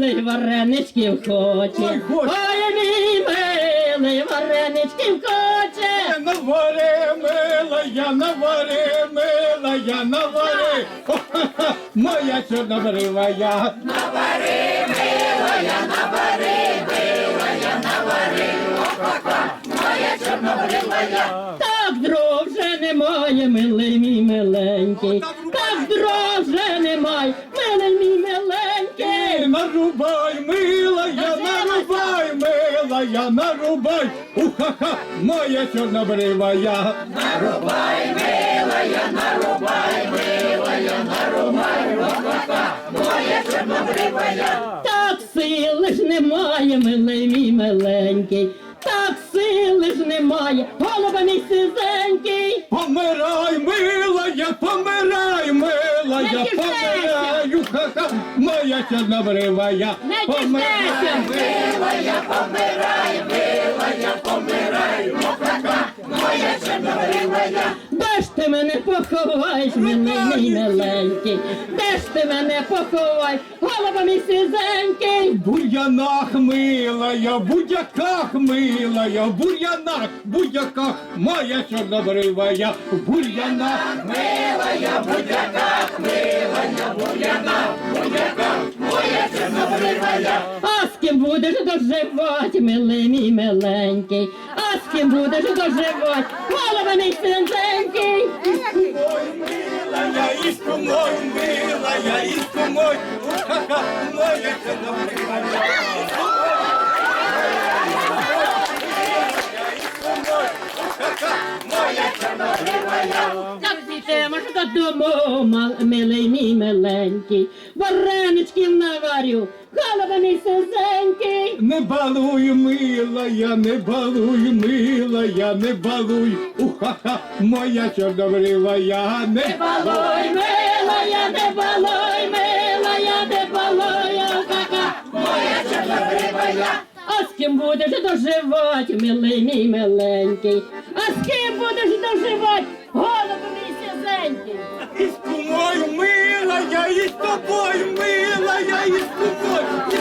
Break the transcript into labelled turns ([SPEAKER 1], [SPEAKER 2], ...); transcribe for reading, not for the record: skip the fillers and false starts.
[SPEAKER 1] милий, вареничків хоче. Ой, мій милий, вареничків хоче.
[SPEAKER 2] Навари, милая, навари, милая, навари. Ха-ха-ха, моя чорнобривая.
[SPEAKER 3] Навари, милая, навари, милая, навари. Ха-ха, моя чорнобривая.
[SPEAKER 1] Так дров вже немає, милий мій миленький. Так дров вже немає, милий мій миленький.
[SPEAKER 2] Нарубай, милая, нарубай, милая, нарубай. Уха-ха, моя чорнобривая.
[SPEAKER 3] Нарубай, милая, нарубай, милая, нарубай. Ха-ха, моя чорнобривая.
[SPEAKER 1] Так сили ж немає, милий мій миленький. Так сили ж немає, голуба мій сизенький.
[SPEAKER 2] Помирай, милая, помирай, милая,
[SPEAKER 1] Не
[SPEAKER 2] помираю, ха-ха, моя чорнобривая.
[SPEAKER 1] Не
[SPEAKER 2] Помирай,
[SPEAKER 1] тішайся.
[SPEAKER 3] Милая, помирай, милая, помирай. Ха-ха, моя чорнобривая.
[SPEAKER 1] Де ж ти мене поховаєш, милий мій миленький? Де ж ти мене поховаєш, голуба мій сизенький?
[SPEAKER 2] В бур'янах, милая, в будяках, милая, в бур'янах, в будяках, моя чорнобривая, в бур'янах.
[SPEAKER 3] Милая, будь-яка, милая, будь-яка, моя чорнобривая.
[SPEAKER 1] А з ким будеш доживати, милий мій миленький? А з ким будеш доживати, голуба мій сизенький?
[SPEAKER 2] Ой, милая, иску мой, милая, иску мой, ха-ха, моя чорнобривая.
[SPEAKER 1] Так підемо ж додому, милий мій миленький. Вареничків наварю, голуба мій сизенький.
[SPEAKER 2] Не балуй, милая, не балуй, милая, не балуй, уха-ха, моя чорнобривая, не
[SPEAKER 1] Балуй, милая, не балуй, милая, не балуй, ха-ха.
[SPEAKER 3] Моя чорнобривая.
[SPEAKER 1] А з ким будеш доживати, милий мій миленький? А з ким будеш доживати, голуба мій сизенький?
[SPEAKER 2] Иску мой, милая, и с тобой, милая, и с тобой,